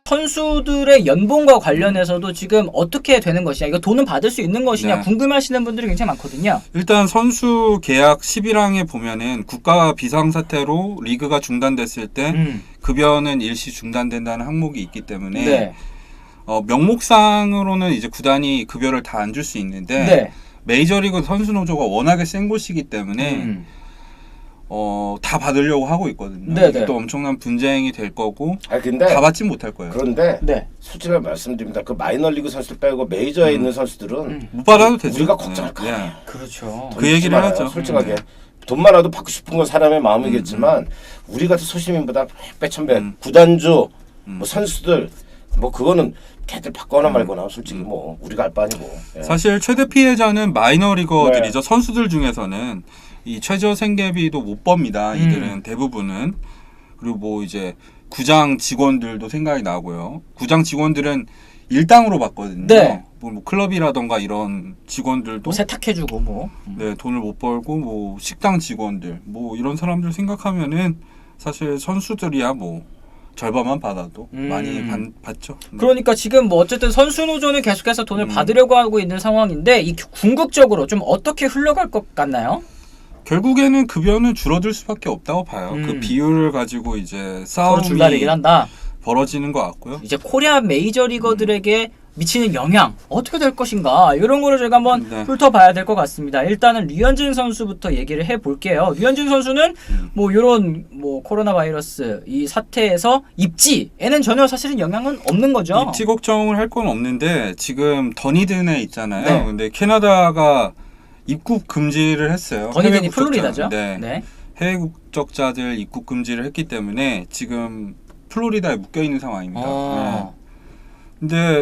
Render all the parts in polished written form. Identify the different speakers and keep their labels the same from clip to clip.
Speaker 1: 선수들의 연봉과 관련해서도 지금 어떻게 되는 것이냐, 이거 돈은 받을 수 있는 것이냐
Speaker 2: 네.
Speaker 1: 궁금해하시는 분들이 굉장히 많거든요.
Speaker 2: 일단 선수 계약 11항에 보면은 국가 비상사태로 리그가 중단됐을 때 급여는 일시 중단된다는 항목이 있기 때문에
Speaker 1: 네.
Speaker 2: 명목상으로는 이제 구단이 급여를 다 안 줄 수 있는데
Speaker 1: 네.
Speaker 2: 메이저리그 선수 노조가 워낙에 센 곳이기 때문에 다 받으려고 하고 있거든요.
Speaker 1: 네네.
Speaker 2: 이게 또 엄청난 분쟁이 될 거고
Speaker 3: 근데
Speaker 2: 다 받진 못할 거예요.
Speaker 3: 그런데
Speaker 1: 네.
Speaker 3: 솔직히 말씀드립니다. 그 마이너리그 선수들 빼고 메이저에 있는 선수들은
Speaker 2: 못 받아도 되죠.
Speaker 3: 우리가 걱정할 거
Speaker 2: 네.
Speaker 3: 아니에요.
Speaker 1: 그렇죠.
Speaker 2: 그 얘기를 하죠.
Speaker 3: 솔직하게 돈 많아도 받고 싶은 건 사람의 마음이겠지만 우리 같은 소시민보다 백 천배 구단주 뭐 선수들 뭐 그거는 걔들 받거나 말거나 솔직히 뭐 우리가 알 바 아니고. 예.
Speaker 2: 사실 최대 피해자는 마이너리거들이죠. 선수들 중에서는 이 최저 생계비도 못 법니다. 이들은 대부분은. 그리고 뭐 이제 구장 직원들도 생각이 나고요. 구장 직원들은 일당으로 받거든요.
Speaker 1: 네.
Speaker 2: 뭐 클럽이라던가 이런 직원들도
Speaker 1: 뭐 세탁해주고 뭐.
Speaker 2: 네, 돈을 못 벌고 뭐 식당 직원들 뭐 이런 사람들 생각하면은 사실 선수들이야 뭐 절반만 받아도 많이 받죠.
Speaker 1: 그러니까 지금 뭐 어쨌든 선수 노조는 계속해서 돈을 받으려고 하고 있는 상황인데 이 궁극적으로 좀 어떻게 흘러갈 것 같나요?
Speaker 2: 결국에는 급여는 줄어들 수밖에 없다고 봐요. 그 비율을 가지고 이제
Speaker 1: 서로
Speaker 2: 싸움이
Speaker 1: 줄다리기를 한다.
Speaker 2: 벌어지는 것 같고요.
Speaker 1: 이제 코리아 메이저리거들에게 미치는 영향 어떻게 될 것인가 이런 거를 저희가 한번 훑어봐야 될 것 같습니다. 일단은 류현진 선수부터 얘기를 해볼게요. 류현진 선수는 뭐 이런 뭐 코로나 바이러스 이 사태에서 입지에는 전혀 사실은 영향은 없는 거죠.
Speaker 2: 입지 걱정을 할 건 없는데 지금 더니든에 있잖아요.
Speaker 1: 네.
Speaker 2: 근데 캐나다가 입국 금지를 했어요.
Speaker 1: 더니든이
Speaker 2: 해외 국적자.
Speaker 1: 플로리다죠.
Speaker 2: 네.
Speaker 1: 네.
Speaker 2: 해외 국적자들 입국 금지를 했기 때문에 지금 플로리다에 묶여 있는 상황입니다. 네. 근데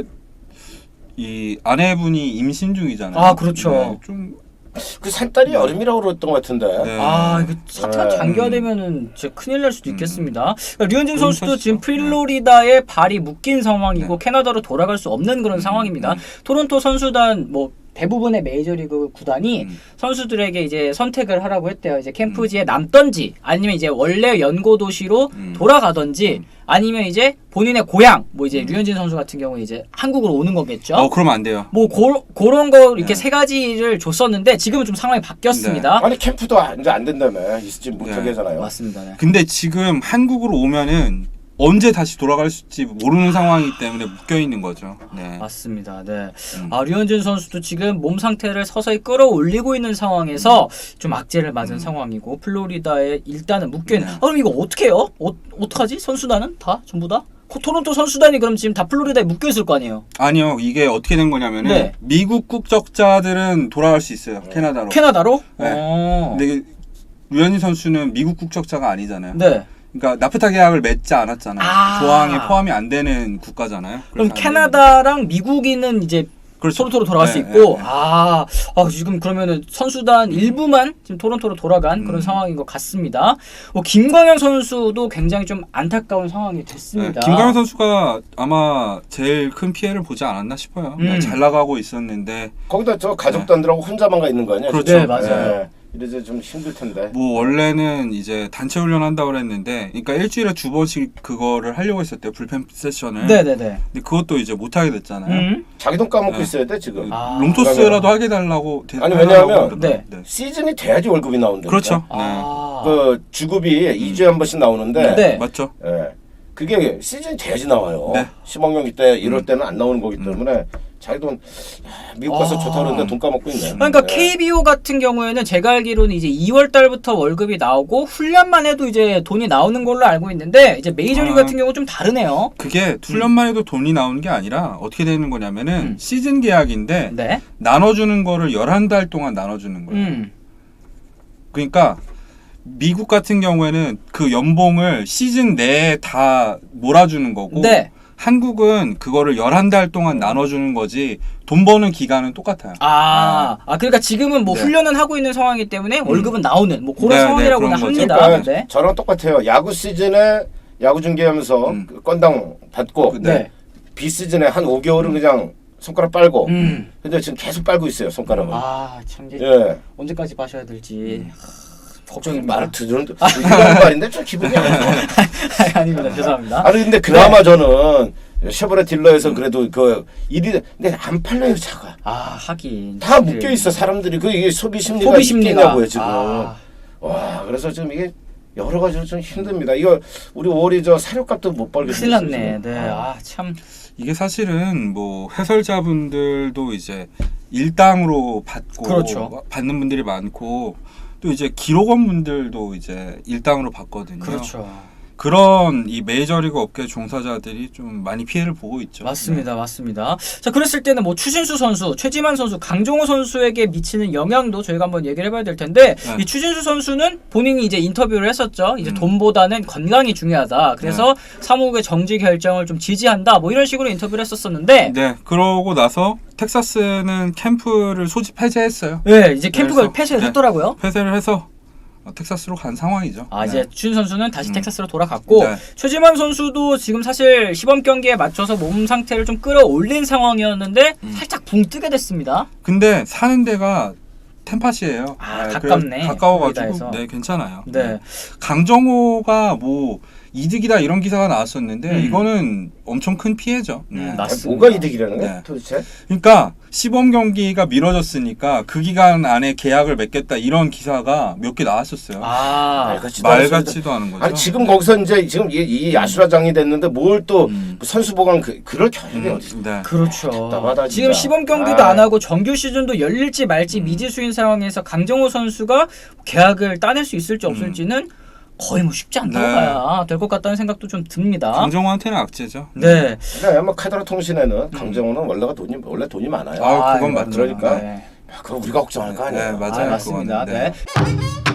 Speaker 2: 이 아내분이 임신 중이잖아요.
Speaker 1: 아, 그렇죠.
Speaker 2: 네, 좀
Speaker 3: 그 산딸이 여름이라고 그랬던 것 같은데.
Speaker 2: 네.
Speaker 1: 아, 이거 사태가
Speaker 3: 네.
Speaker 1: 장기화되면은 진짜 큰일 날 수도 있겠습니다. 그러니까 류현진
Speaker 2: 그런
Speaker 1: 선수도
Speaker 2: 사실이죠.
Speaker 1: 지금 플로리다에 발이 묶인 상황이고 캐나다로 돌아갈 수 없는 그런 상황입니다. 토론토 선수단 뭐 대부분의 메이저리그 구단이 선수들에게 이제 선택을 하라고 했대요. 이제 캠프지에 남던지 아니면 이제 원래 연고 도시로 돌아가던지 아니면 이제 본인의 고향 뭐 이제 류현진 선수 같은 경우에 이제 한국으로 오는 거겠죠.
Speaker 2: 그러면 안 돼요.
Speaker 1: 뭐 그런 거 이렇게 세 가지를 줬었는데 지금은 좀 상황이 바뀌었습니다.
Speaker 3: 아니 캠프도 이제 안 된다며 있지 못하게 하잖아요.
Speaker 1: 맞습니다. 네.
Speaker 2: 근데 지금 한국으로 오면은 언제 다시 돌아갈지 모르는 상황이기 때문에 묶여 있는 거죠. 네.
Speaker 1: 맞습니다. 네. 류현진 선수도 지금 몸 상태를 서서히 끌어올리고 있는 상황에서 좀 악재를 맞은 상황이고 플로리다에 일단은 묶여 있는. 그럼 이거 어떻게 해요? 어떡하지? 선수단은 다 전부 다? 토론토 선수단이 그럼 지금 다 플로리다에 묶여 있을 거 아니에요?
Speaker 2: 아니요. 이게 어떻게 된 거냐면은
Speaker 1: 네.
Speaker 2: 미국 국적자들은 돌아갈 수 있어요. 캐나다로.
Speaker 1: 캐나다로?
Speaker 2: 네. 근데 류현진 선수는 미국 국적자가 아니잖아요.
Speaker 1: 네.
Speaker 2: 그러니까 나프타 계약을 맺지 않았잖아요. 조항에 포함이 안 되는 국가잖아요.
Speaker 1: 그럼
Speaker 2: 그래서
Speaker 1: 캐나다랑 미국인은 이제
Speaker 2: 그렇죠.
Speaker 1: 토론토로 돌아갈 수
Speaker 2: 네,
Speaker 1: 있고
Speaker 2: 네, 네.
Speaker 1: 지금 그러면은 선수단 일부만 지금 토론토로 돌아간 그런 상황인 것 같습니다. 김광현 선수도 굉장히 좀 안타까운 상황이 됐습니다.
Speaker 2: 네, 김광현 선수가 아마 제일 큰 피해를 보지 않았나 싶어요. 잘 나가고 있었는데
Speaker 3: 거기다 저 가족단들하고 혼자만 가 있는 거 아니야?
Speaker 2: 그렇죠.
Speaker 1: 네, 맞아요.
Speaker 3: 이래서 좀 힘들 텐데.
Speaker 2: 뭐 원래는 이제 단체 훈련 한다고 그랬는데 그러니까 일주일에 2번씩 그거를 하려고 했었대요. 불펜 세션을.
Speaker 1: 네네네.
Speaker 2: 근데 그것도 이제 못 하게 됐잖아요.
Speaker 3: 자기 돈 까먹고
Speaker 2: 네.
Speaker 3: 있어야 돼 지금.
Speaker 2: 롱토스라도 하게 달라고
Speaker 3: 아니, 왜냐하면
Speaker 2: 그러더라고요.
Speaker 1: 네.
Speaker 3: 시즌이 돼야지 월급이 나온다니까.
Speaker 2: 그렇죠.
Speaker 3: 그 주급이 2주에 한 번씩 나오는데
Speaker 1: 네.
Speaker 2: 맞죠.
Speaker 3: 예. 그게 시즌이 돼야지 나와요.
Speaker 2: 네.
Speaker 3: 10억령 때 이럴 때는 안 나오는 거기 때문에 자기 돈 미국 가서 좋다 그러는데 돈 까먹고 있네.
Speaker 1: 그러니까
Speaker 3: 예.
Speaker 1: KBO 같은 경우에는 제가 알기로는 이제 2월 달부터 월급이 나오고 훈련만 해도 이제 돈이 나오는 걸로 알고 있는데 이제 메이저리그 같은 경우 좀 다르네요.
Speaker 2: 그게 훈련만 해도 돈이 나오는 게 아니라 어떻게 되는 거냐면은 시즌 계약인데
Speaker 1: 네.
Speaker 2: 나눠주는 거를 11달 동안 나눠주는 거예요. 그러니까 미국 같은 경우에는 그 연봉을 시즌 내에 다 몰아주는 거고
Speaker 1: 네.
Speaker 2: 한국은 그거를 11달 동안 나눠주는 거지 돈 버는 기간은 똑같아요.
Speaker 1: 그러니까 지금은 뭐
Speaker 2: 네.
Speaker 1: 훈련은 하고 있는 상황이기 때문에 월급은 나오는 뭐 그런
Speaker 2: 네,
Speaker 1: 상황이라고는
Speaker 2: 네, 그런 거죠.
Speaker 1: 합니다.
Speaker 3: 그러니까
Speaker 1: 네.
Speaker 3: 저랑 똑같아요. 야구 시즌에 야구 중계하면서 그 건당 받고
Speaker 1: 네.
Speaker 3: 비시즌에 한 5개월은 그냥 손가락 빨고 근데 지금 계속 빨고 있어요 손가락을.
Speaker 1: 참
Speaker 3: 예.
Speaker 1: 언제까지 마셔야 될지 걱정입니다.
Speaker 3: 말을 들으는데 이런 말인데 좀 기분이 안 좋아.
Speaker 1: 아닙니다. 죄송합니다.
Speaker 3: 아니 근데 그나마 저는 쉐보레 딜러에서 그래도 그 일이 근데 안 팔려요 차가.
Speaker 1: 아 하긴
Speaker 3: 다 묶여 있어 사람들이 그 이게 소비 심리가
Speaker 1: 소비 심리가
Speaker 3: 있겠냐고요 지금.
Speaker 1: 아.
Speaker 3: 와 그래서 지금 이게 여러 가지로 좀 힘듭니다. 이거 우리 5월이 저 사료값도 못 벌게
Speaker 1: 큰일
Speaker 3: 생겼어요,
Speaker 1: 났네.
Speaker 3: 지금.
Speaker 1: 네. 아 참.
Speaker 2: 이게 사실은 뭐 해설자분들도 이제 일당으로 받고
Speaker 1: 그렇죠.
Speaker 2: 받는 분들이 많고 또 이제 기록원 분들도 이제 일당으로 받거든요.
Speaker 1: 그렇죠.
Speaker 2: 그런 이 메이저리그 업계 종사자들이 좀 많이 피해를 보고 있죠.
Speaker 1: 맞습니다, 맞습니다. 자, 그랬을 때는 뭐 추신수 선수, 최지만 선수, 강정호 선수에게 미치는 영향도 저희가 한번 얘기를 해봐야 될 텐데 이 추신수 선수는 본인이 이제 인터뷰를 했었죠. 이제 돈보다는 건강이 중요하다. 그래서 사무국의 정지 결정을 좀 지지한다. 뭐 이런 식으로 인터뷰를 했었었는데.
Speaker 2: 네, 그러고 나서 텍사스는 캠프를 소집 폐쇄했어요.
Speaker 1: 네, 이제 캠프가
Speaker 2: 그래서,
Speaker 1: 폐쇄를
Speaker 2: 네,
Speaker 1: 했더라고요.
Speaker 2: 폐쇄를 해서 텍사스로 간 상황이죠.
Speaker 1: 아 이제 추신 선수는 다시 텍사스로 돌아갔고
Speaker 2: 네.
Speaker 1: 최지만 선수도 지금 사실 시범 경기에 맞춰서 몸 상태를 좀 끌어올린 상황이었는데 살짝 붕 뜨게 됐습니다.
Speaker 2: 근데 사는 데가 템파시예요.
Speaker 1: 아,
Speaker 2: 네,
Speaker 1: 가깝네.
Speaker 2: 그래서 가까워가지고
Speaker 1: 거기다 해서.
Speaker 2: 네 괜찮아요.
Speaker 1: 네.
Speaker 2: 강정호가 뭐 이득이다 이런 기사가 나왔었는데
Speaker 1: 음.
Speaker 2: 이거는 엄청 큰 피해죠. 네.
Speaker 1: 맞습니다.
Speaker 3: 아니, 뭐가 이득이라는 거야
Speaker 2: 네.
Speaker 3: 도대체?
Speaker 2: 그러니까 시범 경기가 미뤄졌으니까 그 기간 안에 계약을 맺겠다 이런 기사가 몇 개 나왔었어요.
Speaker 1: 아
Speaker 3: 말
Speaker 2: 같지도 않은 거죠.
Speaker 3: 아니 지금 거기서 이제 지금 이 야수라장이 됐는데 뭘 또 선수 보강 그럴 겨를이 어디 있어?
Speaker 2: 네.
Speaker 1: 그렇죠.
Speaker 3: 답답하다,
Speaker 1: 지금
Speaker 3: 진짜.
Speaker 1: 시범 경기도
Speaker 3: 아.
Speaker 1: 안 하고 정규 시즌도 열릴지 말지 미지수인 상황에서 강정호 선수가 계약을 따낼 수 있을지 없을지는 거의 뭐 쉽지 않다고
Speaker 2: 네.
Speaker 1: 봐야 될 것 같다는 생각도 좀 듭니다.
Speaker 2: 강정호한테는 악재죠.
Speaker 1: 네.
Speaker 3: 그러니까 아마 카드라 통신에는 강정호는 원래 돈이 많아요.
Speaker 2: 아, 그건
Speaker 1: 이거
Speaker 2: 맞죠.
Speaker 3: 그러니까
Speaker 1: 네.
Speaker 3: 그거 우리가 걱정하는 거 아니에요.
Speaker 2: 네, 맞아요.
Speaker 1: 맞습니다.
Speaker 2: 그거는. 네.
Speaker 1: 네.